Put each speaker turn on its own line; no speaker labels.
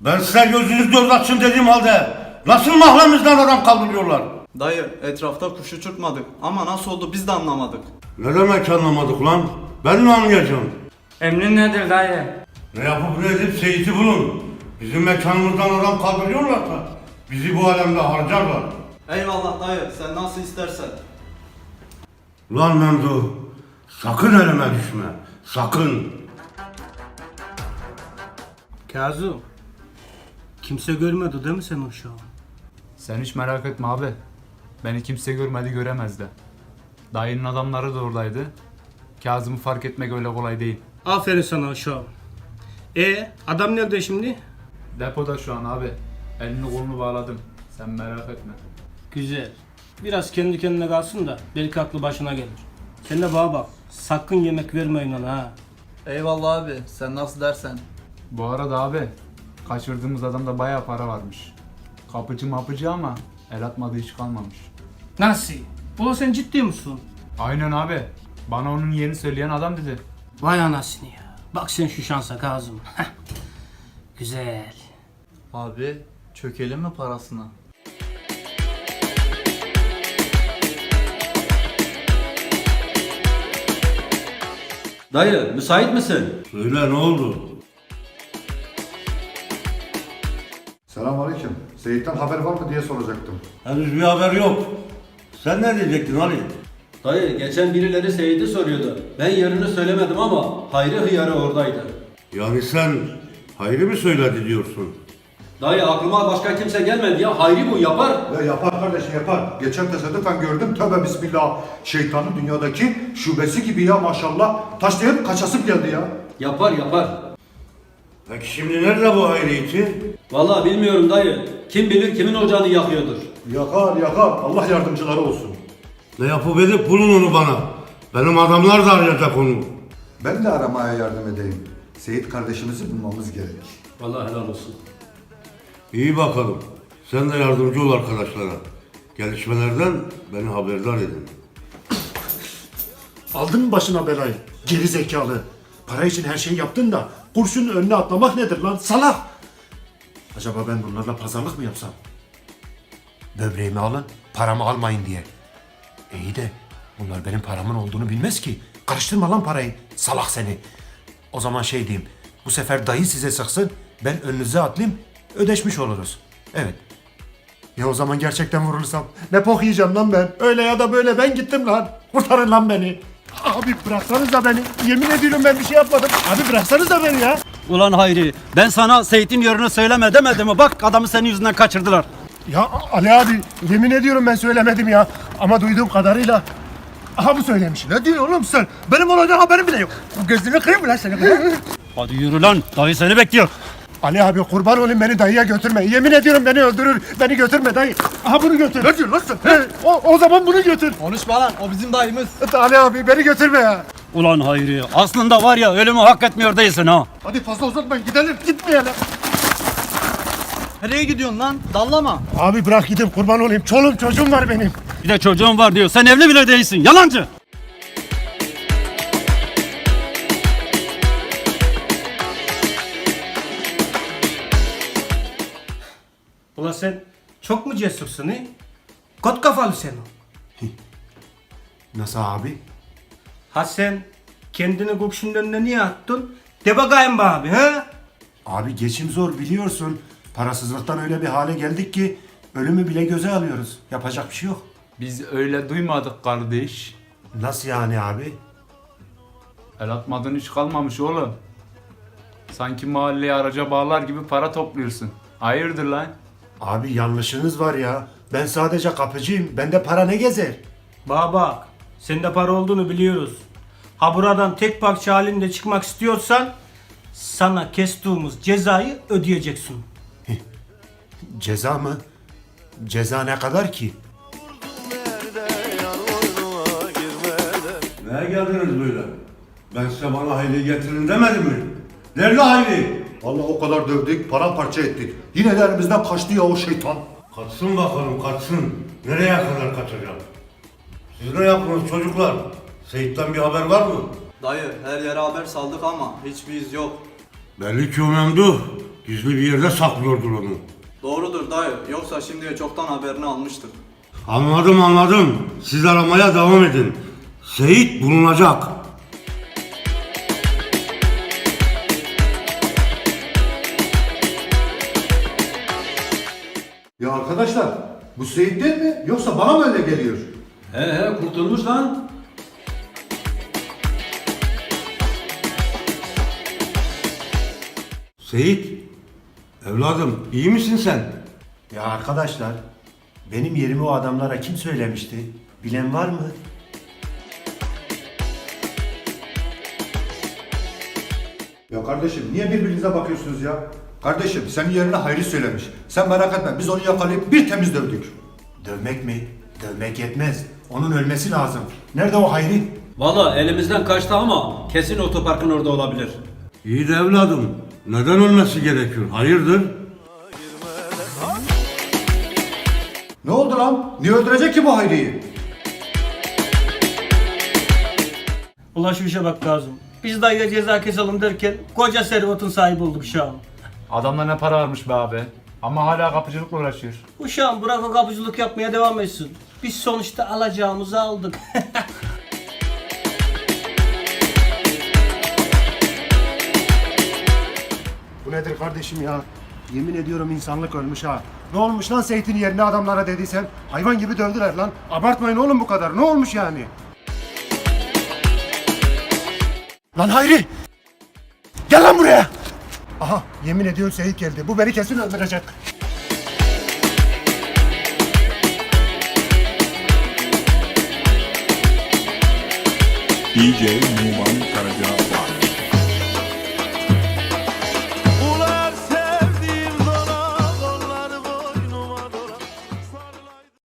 Ben size gözünüz göz açın dediğim halde nasıl mahremimizden adam kaldırıyorlar?
Dayı etrafta kuş uçurtmadık ama nasıl oldu biz de anlamadık.
Ne demek anlamadık lan? Ben mi anlayacağım?
Emrin nedir dayı?
Ne yapıp ne edip Seyit'i bulun. Bizim mekanımızdan adam kaldırıyorlarsa bizi bu alemde harcarlar.
Eyvallah dayı sen nasıl istersen.
Lan Memduh, sakın elime düşme, sakın.
Kazım, kimse görmedi değil mi sen o şu an?
Sen hiç merak etme abi. Beni kimse görmedi göremez de. Dayının adamları da oradaydı. Kazım'ı fark etmek öyle kolay değil.
Aferin sana o şu an. Adam nerede şimdi?
Depoda şu an abi. Elini kolunu bağladım. Sen merak etme.
Güzel. Biraz kendi kendine kalsın da belki aklı başına gelir. Sen de bana bak, sakın yemek vermeyin ona ha.
Eyvallah abi sen nasıl dersen.
Bu arada abi kaçırdığımız adamda bayağı para varmış. Kapıcı mapıcı ama el atmadığı hiç kalmamış.
Nasıl? Ulan sen ciddi misin?
Aynen abi. Bana onun yerini söyleyen adam dedi.
Vay anasını ya. Bak sen şu şansa Kazım. Güzel.
Abi çökelim mi parasına?
Dayı müsait misin?
Söyle ne oldu?
Selamünaleyküm. Seyit'ten haber var mı diye soracaktım.
Henüz bir haber yok. Sen ne diyecektin Ali?
Dayı geçen birileri Seyit'i soruyordu. Ben yerini söylemedim ama Hayri hıyarı oradaydı.
Yani sen Hayri mi söyledi diyorsun?
Dayı aklıma başka kimse gelmedi ya. Hayri bu yapar.
Ya yapar kardeşim yapar. Geçen tesadüfen gördüm. Tövbe bismillah. Şeytanın dünyadaki şubesi gibi ya maşallah. Taşlayıp kaçasıp geldi ya.
Yapar yapar.
Peki şimdi nerede bu Hayri için?
Vallahi bilmiyorum dayı. Kim bilir kimin ocağını yakıyordur.
Yakar yakar. Allah yardımcıları olsun.
Ne yapıp edip bulun onu bana. Benim adamlar da arayacak onu.
Ben de aramaya yardım edeyim. Seyit kardeşimizi bulmamız gerek.
Vallahi helal olsun.
İyi bakalım. Sen de yardımcı ol arkadaşlara. Gelişmelerden beni haberdar edin.
Aldın mı başına belayı? Geri zekalı. Para için her şeyi yaptın da kurşunun önüne atlamak nedir lan? Salak! Acaba ben bunlarla pazarlık mı yapsam? Böbreğimi alın, paramı almayın diye. İyi de bunlar benim paramın olduğunu bilmez ki. Karıştırma lan parayı. Salak seni. O zaman şey diyeyim. Bu sefer dayı size sıksın. Ben önünüze atlayayım. Ödeşmiş oluruz. Evet. Ya o zaman gerçekten vurulursam ne pok yiyeceğim lan ben. Öyle ya da böyle ben gittim lan. Kurtarın lan beni. Abi bıraksanıza beni. Yemin ediyorum ben bir şey yapmadım. Abi bıraksanıza beni ya.
Ulan Hayri, ben sana Seyit'in yerini söyleme demedim mi? Bak adamı senin yüzünden kaçırdılar.
Ya Ali abi yemin ediyorum ben söylemedim ya. Ama duyduğum kadarıyla aha bu söylemiş. Ne diyorsun oğlum sen? Benim olaydan haberim bile yok. Gözünü kırayım mı lan seni?
Hadi yürü lan, dayı seni bekliyor.
Ali abi kurban olayım beni dayıya götürme. Yemin ediyorum beni öldürür. Beni götürme dayı. Aha bunu götür. Ne diyorsun lan sen? O zaman bunu götür.
Konuşma lan o bizim dayımız.
Ali abi beni götürme ya.
Ulan Hayri, aslında var ya ölümü hak etmiyor değilsin ha.
Hadi fazla uzatmayın gidelim. Gitmeyelim.
Nereye gidiyorsun lan? Dallama.
Abi bırak gidin kurban olayım. Çoluğum çocuğum var benim.
Bir de çocuğun var diyor, sen evli bile değilsin, yalancı.
Ulan sen çok mu cesursun he? Kot kafalı sen o.
Nasıl abi?
Ha sen kendini kurşunun önüne niye attın? De bakayım be abi ha?
Abi geçim zor biliyorsun. Parasızlıktan öyle bir hale geldik ki ölümü bile göze alıyoruz. Yapacak bir şey yok.
Biz öyle duymadık kardeş.
Nasıl yani abi?
El atmadığın hiç kalmamış oğlum. Sanki mahalleyi araca bağlar gibi para topluyorsun. Hayırdır lan?
Abi yanlışınız var ya. Ben sadece kapıcıyım. Bende para ne gezer?
Bana bak, sende para olduğunu biliyoruz. Ha buradan tek parça halinde çıkmak istiyorsan sana kestiğimiz cezayı ödeyeceksin.
Ceza mı? Ceza ne kadar ki?
Neye geldiniz böyle? Ben size bana Hayri getirin demedim mi? Nerede Hayri?
Vallahi o kadar dövdük, paramparça ettik. Yine de elimizden kaçtı ya o şeytan.
Kaçsın bakalım kaçsın. Nereye kadar kaçacak? Siz ne yaptınız çocuklar? Seyit'ten bir haber var mı?
Dayı her yere haber saldık ama hiçbir iz yok.
Belli ki o Memduh gizli bir yerde saklıyordur onu.
Doğrudur dayı. Yoksa şimdiye çoktan haberini almıştık.
Anladım. Siz aramaya devam edin. Seyit bulunacak.
Ya arkadaşlar bu Seyit değil mi? Yoksa bana mı öyle geliyor?
He kurtulmuş lan.
Seyit, evladım iyi misin sen?
Ya arkadaşlar, benim yerimi o adamlara kim söylemişti? Bilen var mı?
Ya kardeşim niye birbirinize bakıyorsunuz ya? Kardeşim senin yerine Hayri söylemiş. Sen merak etme biz onu yakalayıp bir temiz dövdük.
Dövmek mi? Dövmek yetmez. Onun ölmesi lazım. Nerede o Hayri?
Valla elimizden kaçtı ama kesin otoparkın orada olabilir.
İyi de evladım, neden ölmesi gerekiyor? Hayırdır?
Ne oldu lan? Niye öldürecek ki bu Hayri'yi?
Ula şu işe bak Kazım. Biz dayıya ceza keselim derken koca servetin sahibi olduk şu an.
Adamda ne para varmış be abi. Ama hala kapıcılıkla uğraşıyor.
Uşağım bırak o kapıcılık yapmaya devam etsin. Biz sonuçta alacağımızı aldık.
Bu nedir kardeşim ya? Yemin ediyorum insanlık ölmüş ha. Ne olmuş lan Seyit'in yerine adamlara dediysen? Hayvan gibi dövdüler lan. Abartmayın oğlum bu kadar. Ne olmuş yani? Lan Hayri! Gel lan buraya! Aha yemin ediyorum Seyit geldi. Bu beni kesin öldürecek.
DJ Numan Karaca